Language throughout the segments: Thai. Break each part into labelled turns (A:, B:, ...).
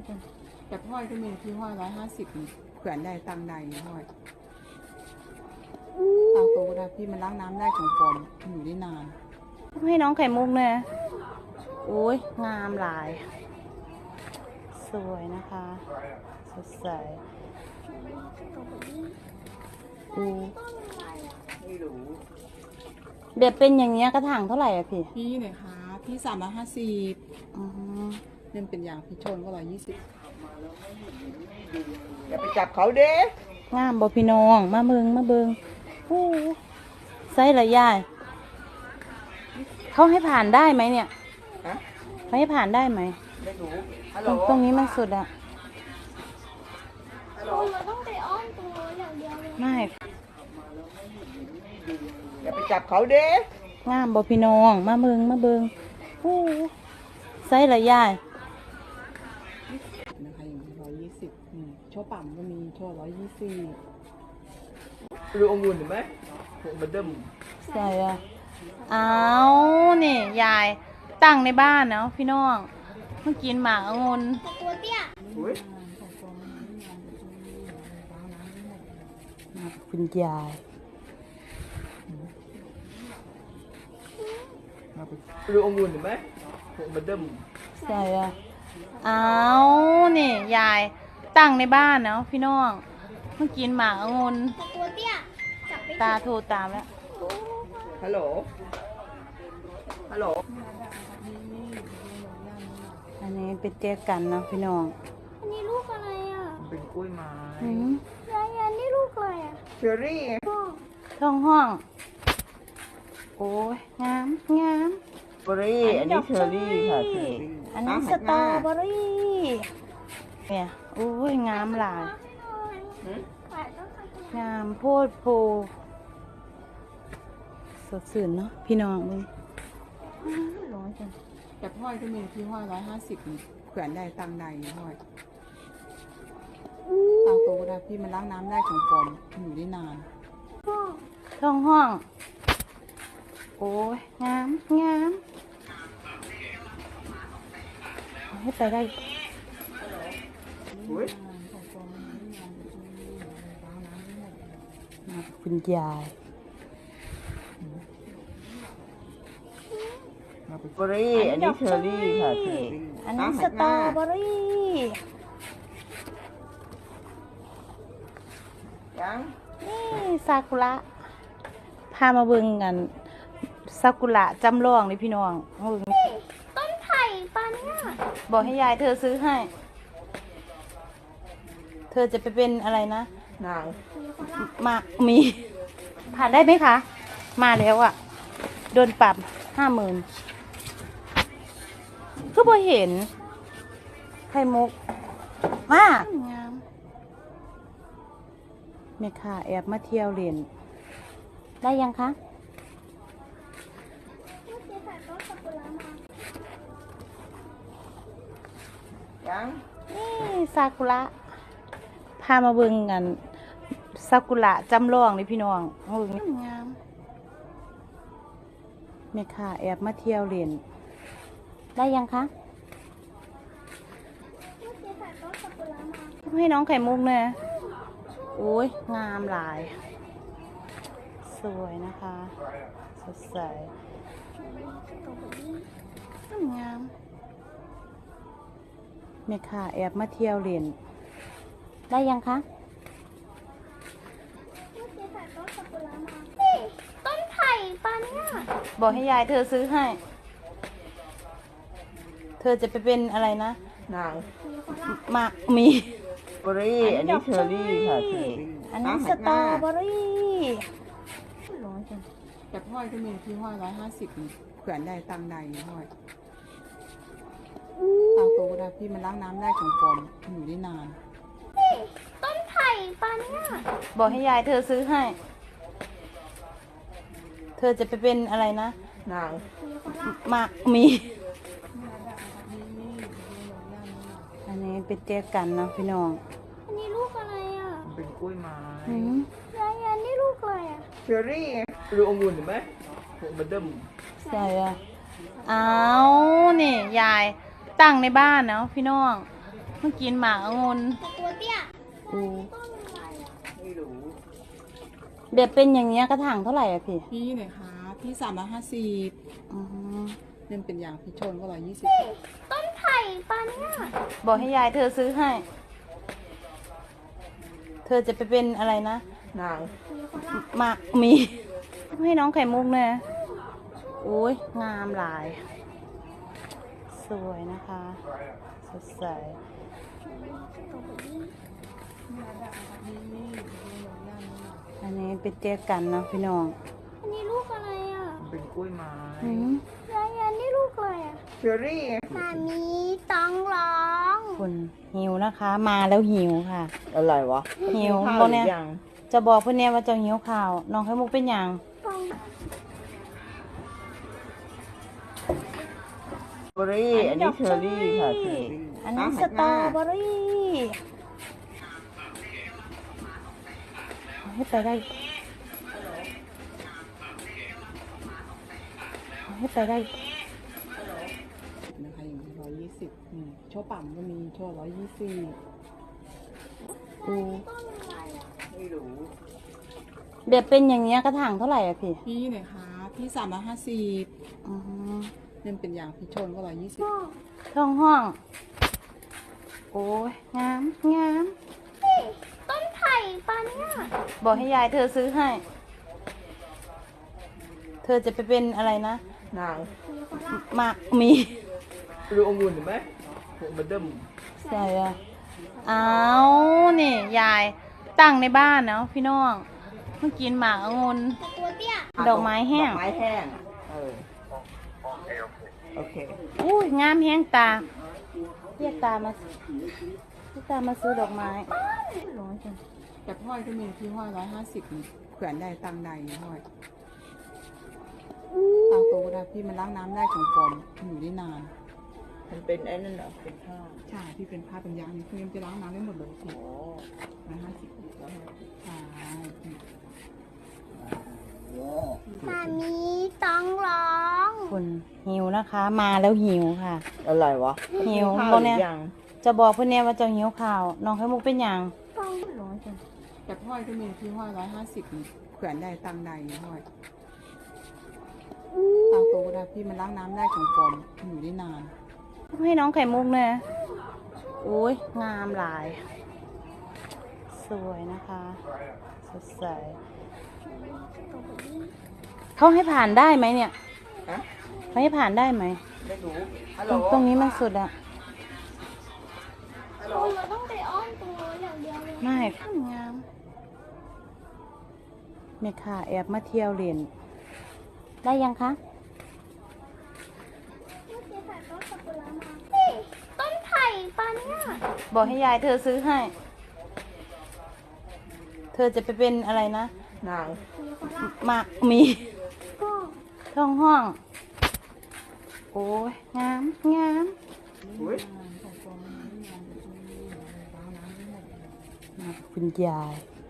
A: กันแต่ห้อยก็มีที่ห้อย150แขวนได้ตังใดห้อยตังโตก็ได้พี่มันล้างน้ำได้ของปลอมอยู่ได้นาน
B: ให้น้องไข่มุกเนี่ยโอ้ยงามหลายสวยนะคะสดใสแบบเป็นอย่างเงี้ยกระถางเท่าไหร่อะ
A: พี่เนี่ยคะพี่350เล่นเป็นอย่างพี่ชนก็120อย่าไปจับเขาเด้
B: งามบ่พี่น้องมาเบิงโอ้ไซส์ละยายเขาให้ผ่านได้ไหมเนี่ยเขาให้ผ่านได้ไหม
A: ไม่
B: รู้ตรงนี้มันสุดอะ
C: เราต้องไปอ้อมตัวอย่างเดียวเลย
B: ไม่
A: อย่าไปจับเขาเด้
B: งามบ่พี่น้องมาเบิงโอ้ไซส์ละยาย
A: นะคะอย่าง120โชว์ปั่มก็มีโชว์120
D: ดูองุ่นเห็นไหมมันเดิม
B: ใส่อะเอานี่ยายตั้งในบ้านเนาะพี่น้องเมื่อกินหมากองุ่น
C: ตัวเตี้ย
B: มาคุณยาย
D: ดูองุ่นเห็นไหมมันเดิม
B: ใส่อะเอานี่ยายตั้งในบ้านเนาะพี่น้องเมื่อกินหมากองุ่น
C: ตัวเตี้ยจับไป
B: ตาโทรตามแล้ว
D: ฮัลโหล
B: อันนี้เป็นเจ๊กันเนาะพี่น้อง
C: อันนี้ลูกอะไรอ่ะ
D: เป็นกล้วยไม้
C: ยายอันนี้ลูกอะไรอ่ะ
A: เชอรี่
B: ท้องห้องโอ้ยงาม
D: เบอรี่อันนี้เชอรี่ค่ะเชอรี่
B: อันนี้สตรอเบอรี่เนี่ยโอ้ยงามหลายงามโพดโพสดชื่นเนาะพี่น้องมึงร้อนจัง
A: แต่ห้อยก็มีที่ห้อย150แขวนได้ตังใดห้อยตังโตก็ได้พี่มันล้างน้ำได้ของปลอมอยู่ได้นาน
B: ท้องห้องโอ้ยงามให้ไปได้มาคุณยาย
D: เบอรี่อันนี้เชอรี่ค่ะเชอรี่
B: อันนี้สตรอเบอรี่
D: ยัง
B: นี่ซากุระพามาเบิ่งกันซากุระจำลองนี่พี่น้อง
C: ต้นไผ่ปาเนี่ย
B: บอกให้ยายเธอซื้อให้เธอจะไปเป็นอะไรนะ
D: นาง
B: มามีผ่านได้ไหมคะมาแล้วอ่ะโดนปรับ50,000ก็บ่เห็นไข่มุกมากงามแม่ค่ะแอบมาเที่ยวเรียนได้ยังคะ
D: ยัง
B: นี่ซากุระพามาเบิ่งกันซากุระจำลองนี่พี่น้องงามแม่ค่ะแอบมาเที่ยวเรียนได้ยังคะให้น้องไข่มุกเนี่ยโอ้ยงามหลายสวยนะคะสดใสงามแม่ค่ะแอบมาเที่ยวเรียนได้ยังคะ
C: ต้นไผ่ปาเนี่ย
B: บอกให้ยายเธอซื้อให้เธอจะไปเป็นอะไรนะ
D: นาง
B: มามี
D: เบอรี่อันนี้เชอรี่ค่ะเชอรี่
B: อันนี้สตรอเบอรี่ร้อนจัง
A: แต่ห้อยก็มีที่ห้อย150แขวนได้ตังใดห้อยตังโตก็ได้พี่มันล้างน้ำได้ของปลอมอยู่ได้นาน
C: ต้นไผ่ปาเนี่ย
B: บอกให้ยายเธอซื้อให้เธอจะไปเป็นอะไรนะ
D: นาง
B: มามีอันนี้เป็นเจ๊กันเนาะพี่น้อง
C: อันนี้ลูกอะไรอ่ะ
D: เป็นกล้วยไม้
C: ยายอันนี้ลูกอะไรอ่ะ
D: เชอรี่ดูองุ่นเห็นไหมมันเดิม
B: ใส่อะเอานี่ยายตั้งในบ้านเนาะพี่น้องมื่อกินหมากองุ่น
C: แต่ตัวเตี้ย
B: อือ
C: ต้นอะไรอ่ะ
D: ไม่รู้
B: แบบเป็นอย่างเงี้ยกระถางเท่าไหร่อะพี่
A: พี่ไหนคะพี่350
B: อืม
A: เล่นเป็นอย่างพี่ชนก็120
C: นี่ต้นไผ่ปะเนี่ย
B: บอกให้ยายเธอซื้อให้ เธอจะไปเป็นอะไรนะ
D: นาง
B: มามี ให้น้องไข่มุกเนี่ยโอ้ยงามหลาย สวยนะคะ สดใส อันนี้เป็นเจ๊กันเนาะพี่น้อง
C: อันนี้ลูกอะไรอ่ะ
D: เป็นกล้วยไม้
B: อืม
C: ยายอันนี้ลูกอะไรอ่ะ
D: เชอรี่
C: มามีต้องร้อง
B: คุณหิวนะคะ มาแล้วหิวค่ะ
D: อะไรวะ
B: หิว
D: ข้า
B: พว
D: ว
B: ก
D: หรื
B: เนี้ย
D: อยัง
B: จะบอกเพื่อนเนี่ยว่าเจะหิวข่าว น้องไข่มุกเป็นอย่าง
C: ต้อง
D: เบอรี่ อันนี้เชอรี่ค่ะเชอรี่
B: อันนี้สตรอเบอรี่เอาให้ไปได้เอาให้ไปได้
A: นะคะอย่างนี้120โชว์ปั่มก็มีโชว์120
B: ดู
C: ต้นอะไรอ่ะ
D: ไม่รู้
B: แบบเป็นอย่างเงี้ยกระถางเท่าไหร่อะพี่
A: พี่ไหนคะพี่350
B: อืม
A: เล่นเป็นอย่างพี่ชนก็120
C: พ่อ
B: ท้องห้อง โอ้ยงามงาม
C: นี่ต้นไผ่ปะเนี่ย
B: บอกให้ยายเธอซื้อให้ เธอจะไปเป็นอะไรนะ
D: นาง
B: มามี
D: ดูองุ่นเห็นไหมพวกมันเดิม
B: ใส่อะเอานี่ยายตั้งในบ้านเนาะพี่น้องเมื่อกินหมากองุ่น
C: แต่ตัวเตี้ย
B: ดอกไม้แห้ง
D: ดอกไม้แห้งโอเค
B: อุ้ยงามแห้งตาเรียกตามาเรียกตามาซื้อดอกไม้ร้อยจัง
A: แต่ห้อยก็มีที่ห้อย150แขวนได้ตังใดห้อยตังโตก็ได้พี่มันล้างน้ำได้ของปลอมอยู่ได้นาน
D: มันเป็นไอ้นั่นเหรอเป็นข้าว
A: ใช่ที่เป็นผ้าเป็นยางนี่คือมันจะล้างน้ำได้หมดเลยพี่
D: อ๋อ
A: 150ใช่
C: มามีต้องร้อง
B: คุณหิวนะคะ มาแล้วหิวค่ะ
D: อะไรวะ
B: หิว
D: ข้าว
B: พวก
D: หรื
B: เนี้ย
D: อยัง
B: จะบอกเพื่อนเนี่ยว่าเจะหิวข่าว น้องไข่มุกเป็นอย่าง
C: ต้อง
B: ร้อยจัง
A: แต่ห้อยก็มีที่ห้อย150แขวนได้ตังใดห้อยตังโตก็ได้พี่มันล้างน้ำได้ของปลอมอยู่ได้นาน
B: ให้น้องไข่มุกเนี่ยโอ้ยงามหลาย สวยนะคะ สดใส เขาให้ผ่านได้ไหมเนี่ย
D: ฮะ
B: เขาให้ผ่านได้ไหม
D: ไม่รู้ฮัล
B: ต
D: โหล
B: รงนี้มันสุดอะ
C: เราต้องไปอ้อมตรงโน้นอย่างเดียวเลย
B: ไม่งามเมค่ะแอบมาเที่ยวเรียนได้ยังคะ
C: เมื่อกี้ถ่ายต้นซากุระมานี่ต้นไผ่ปะเนี่ย
B: บอกให้ยายเธอซื้อให้ เธอจะไปเป็นอะไรนะ
D: นาง
B: มามี
C: ก็
B: ท้องห้อง โอ้ยงามงาม
D: อุ้ย
B: มากับคุณยาย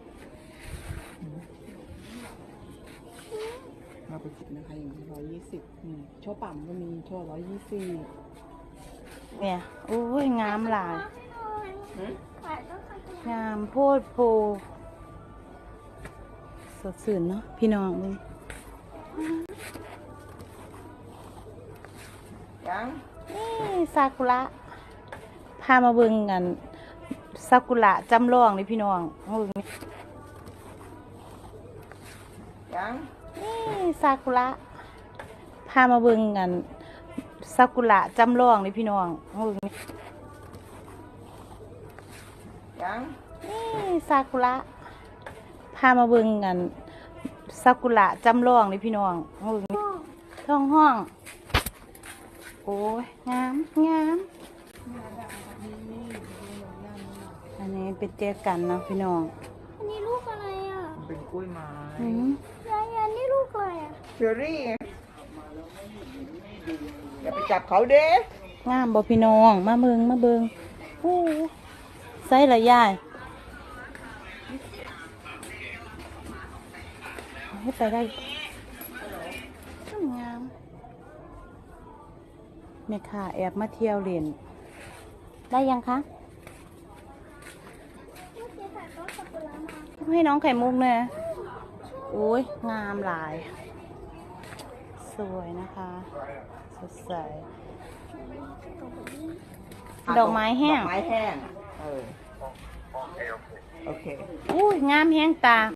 A: เราไปคิดนะคะอย่างนี้120โชว์ปั่มก็มีโชว์120
B: เนี่ยโอ้ยงามหลาย
C: ถ่ายต้นซากุระ
B: งามโพดโพสดสื่นเนาะพี่น้องมึง
D: ยัง
B: นี่ซากุระพามาเบิ่งกันซากุระจำลองนี่พี่น้องเบิ่งนี่
D: ยัง
B: นี่ซากุระพามาเบิ่งกันซากุระจำลองนี่พี่น้องเบิ่งนี่
D: ยัง
B: นี่ซากุระพามาเบิ่งกันซากุระจำลองนี่พี่น้องเบิ่งนี่ท้องห้อง โอ้ยงามงามอันนี้เป็นเจ๊กันเนาะพี่น้อง
C: อันนี้ลูกอะไรอ่ะ
D: เป็นกล้วยไม้
B: อืม
C: ยายอันนี้ลูกอะไรอ่ะ
D: เชอรี่อย่าไปจับเขาเด้
B: งามบ่พี่น้องมาเบิ่งมาเบิ่งโอ้ใส่ละยายเอาให้ไปได้งามเมค่ะแอบมาเที่ยวเรียนได้ยังคะให้น้องไข่มุกเนี่ยโอ้ยงามหลาย สวยนะคะสดใสดอกไม้แห้ง
D: ดอกไม้แห้งโอเค
B: อุ้ยงามแห้งตา